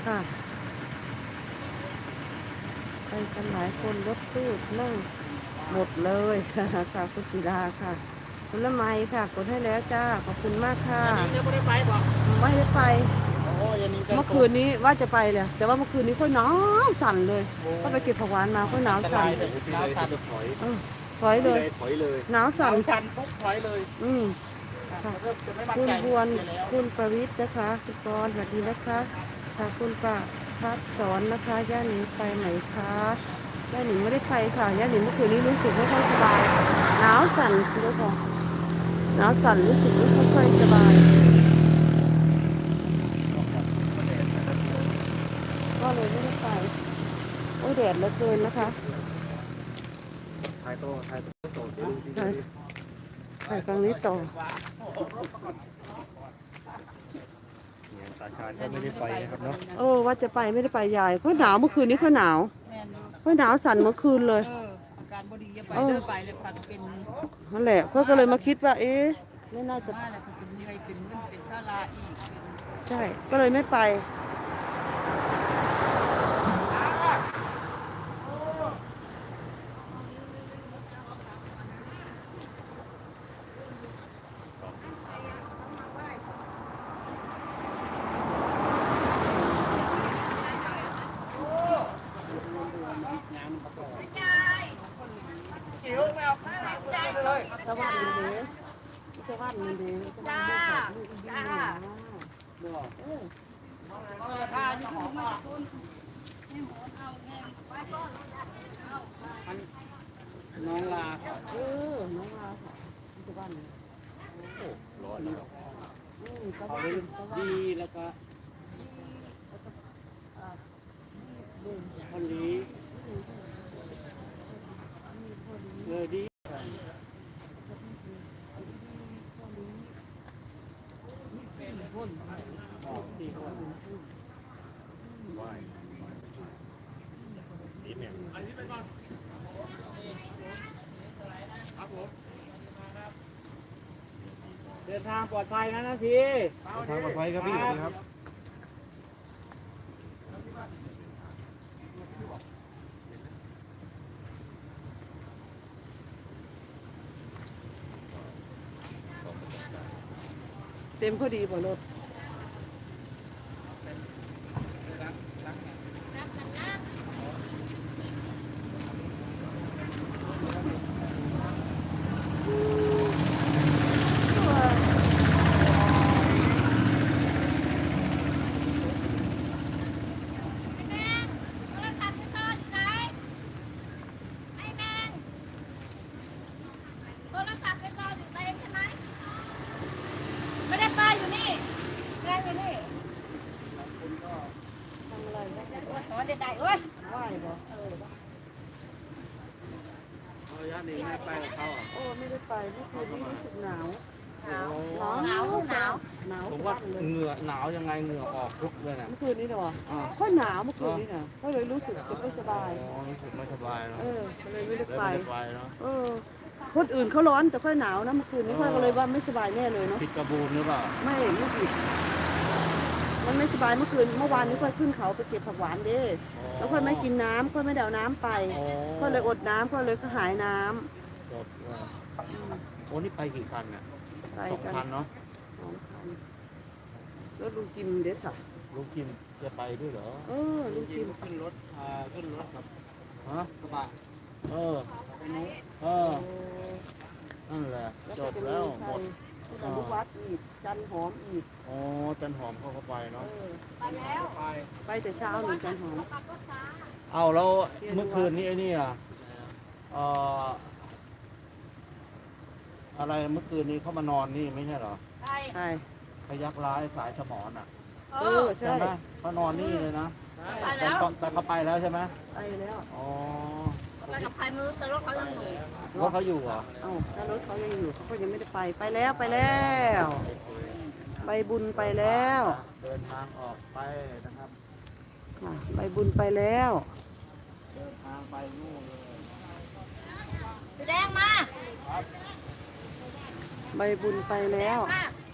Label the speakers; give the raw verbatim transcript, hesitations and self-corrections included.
Speaker 1: ค่ะไปกันหลายคนรถตู้นั่งหมดเลยค่ะคุณศิลาค่ะคุณละไมค่ะกดให้แล้วจ้าขอบคุณมากค่ะ
Speaker 2: อันนี้ยังไม่ได้ไปบอก
Speaker 1: ไม่ได้ไป
Speaker 2: โอ้ยอันนี้ก็
Speaker 1: เมื่อคืนนี้ว่าจะไปเลยแต่ว่าเมื่อคืนนี้ค่อยหนาวสั่นเลยก็ไปเก็บผักหวานมาค่อยหนาวสั่น
Speaker 2: เลยน้ำสั่นถอย
Speaker 1: เออถอยเลย
Speaker 2: ถอยเลย
Speaker 1: หนาวสั่น
Speaker 2: น้ำสั่นปุ๊บถอยเลย
Speaker 1: อืม
Speaker 2: ค่ะเริ่มจะไม่มั่น
Speaker 1: คุณ
Speaker 2: ใจ
Speaker 1: บวน
Speaker 2: แล้ว
Speaker 1: คุณประวิทย์นะคะคุณกรณ์สวัสดีนะคะค่ะคุณประพัดสอนนะคะย่าหนิงไปไหนคะย่าหนิงไม่ได้ไปค่ะย่าหนิงเมื่อคืนนี้รู้สึกไม่ค่อยสบายหนาวสั่นคุณผู้ชมหนาวสั่นรู้สึกไม่ค่อยสบายก็เลยไม่ได้ไปโอ้ยแดดเหลือเกินนะคะ
Speaker 2: ถ่ายโตถ่ายโตโตเดี๋ยวดูดี
Speaker 1: ไปไปตรงนี้ต่อ
Speaker 2: เนี่ยตาชาญก็ไม่ได้ไปนะครับเนาะ
Speaker 1: โอ้ว่าจะไปไม่ได้ไปยายเพราะหนาวเมื่อคืนนี้เพราะหนาว
Speaker 3: แม่นอยู่
Speaker 1: เพราะหนาวสั่นเมื่อคืนเลย
Speaker 3: เอออาการบดีอย่าไปเด้อไปเลยพันเป็น
Speaker 1: นั่นแหละเพื่อก็เลยมาคิดว่าเอ๊ะไม่น่าจะ
Speaker 3: มาแล้วก็เป็นเหนื่อยเป็นมึนเป็นพระลาอีกเป็น
Speaker 1: ใช่ ก็เลยไม่ไปชาวบ้านมันเด้ชาวบ้านมันเด้ชาวบ้านไม่ขาดลูกอีกนิดนึงนะเออ
Speaker 2: น้องลา
Speaker 1: เออน้องลาค่ะชาวบ้านเนี่ย
Speaker 2: ร้อนแล้ว
Speaker 1: อืมชาว
Speaker 2: เขา
Speaker 1: บ้าน
Speaker 2: เลย
Speaker 1: ชาวบ้าน
Speaker 2: ดีแล้วก็คนนี้เออดีสี่คน เดินทางปลอดภัยนะนาที
Speaker 4: ทางปลอดภัยครับพี่สวัสดีครับ
Speaker 1: เต็มพอดีบ่รถ
Speaker 5: ไม่ได้ป้าอยู่นี่แม่อยู่นี่
Speaker 1: ทำอะไรนะ
Speaker 5: โอ้ยเด็ดได้เอ้ย
Speaker 1: ไหว้บ่เออ
Speaker 2: ระยะนี้ไม่ไปกับเขาอ่ะ
Speaker 1: โอ้ไม่ได้ไปเมื่อคืนนี้รู้สึกหนาว
Speaker 5: หนาว
Speaker 1: หนาว
Speaker 5: หนาวหนาว
Speaker 1: หนาว
Speaker 2: ผม
Speaker 1: สะ
Speaker 2: ว่า
Speaker 1: บั้นเลย
Speaker 2: เหงื่อหนาวยังไงเหงื่อออกทุกเลยนะ
Speaker 1: เมื่อคืนนี้เนาะ
Speaker 2: อ่า
Speaker 1: ก็หนาวเมื่อคืนนี้น่ะก็เลยรู้สึกจะไม่สบาย
Speaker 2: อ๋อรู้สึกไม่สบายเนาะ
Speaker 1: เออก็เลยไม่ได้
Speaker 2: เลย
Speaker 1: ไป
Speaker 2: ไม่ได้ไปเนาะ
Speaker 1: เออคนอื่นเขาร้อนแต่ค่อยหนาวนะเมื่อคืนนี้ค่อยก็เลยว่าไม่สบายแน่เลยเนาะ
Speaker 2: ผิดกระบูนหรือเปล่า
Speaker 1: ไม่ไม่ผิดมันไม่สบายเมื่อคืนเมื่อวานนี้ค่อยขึ้นเขาไปเก็บผักหวานเด้แล้วค่อยไม่กินน้ำค่อยไม่เดาน้ำไป
Speaker 2: อ๋อ
Speaker 1: ก็เลยอดน้ำก็เลยก็หายน้
Speaker 2: จบเออโอ้นี่ไปกี่คันเนี่ย
Speaker 1: ำไป
Speaker 2: สอง
Speaker 1: กัน
Speaker 2: คันเนาะ
Speaker 1: สองคันแล้วลุงจิมเด็ดสัก
Speaker 2: ลุงกิมจะไปด้วยเหรอ
Speaker 1: เออลุงจิม
Speaker 2: ขึ้นรถอ่าขึ้นรถกับฮะกระบะเออเออนั่นแหละ
Speaker 1: แล้ว
Speaker 2: จ
Speaker 1: ก็
Speaker 2: บ
Speaker 1: จะ
Speaker 2: แล้
Speaker 1: มี
Speaker 2: ว
Speaker 1: ใค
Speaker 2: ห
Speaker 1: ร
Speaker 2: มด
Speaker 1: แต่ลูกวัดอีกจันหอมอีก
Speaker 2: อ๋อจันหอมเขาก็ไป
Speaker 1: เอ
Speaker 2: เนาะ
Speaker 1: อ
Speaker 5: ไปแล้ว
Speaker 1: ไปแต่เช้าหนึ่งจันหอม
Speaker 5: ขับรถช้า
Speaker 2: เอาแล้วเมื่อคืนนี้ไอ้นี่อ่ะเอ่ออะไรเมื่อคืนนี้เขามานอนนี่ไม่ใช่เหรอ
Speaker 5: ไป
Speaker 1: ใช่
Speaker 2: พยักร้ายสายสมอนอ่ะ
Speaker 5: เอ
Speaker 1: เอ
Speaker 5: อ
Speaker 1: อใช่
Speaker 2: ใช่ไหมเขานอนนี่เลยนะ
Speaker 5: ไป
Speaker 2: แต่
Speaker 5: แล้ว
Speaker 2: ตอนแต่เขาไปแล้วใช่ไหม
Speaker 1: ไปแล้ว
Speaker 2: อ๋อ
Speaker 5: ไปกับใครมือแต่รถเขายังอยู่
Speaker 2: รถเขาอยู่เหรอ
Speaker 1: เอ้าถ้ารถเขายังอยู่เขาก็ยังไม่ได้ไปไปแล้วไปแล้วไปบุญไปแล้ว
Speaker 2: เดินทางออกไปนะครับ
Speaker 1: อ่ะไปบุญไปแล้ว
Speaker 2: เดินทางไปนู่นเลย
Speaker 5: สีแดงมา
Speaker 1: ใบบุญไปแล้ว
Speaker 5: มา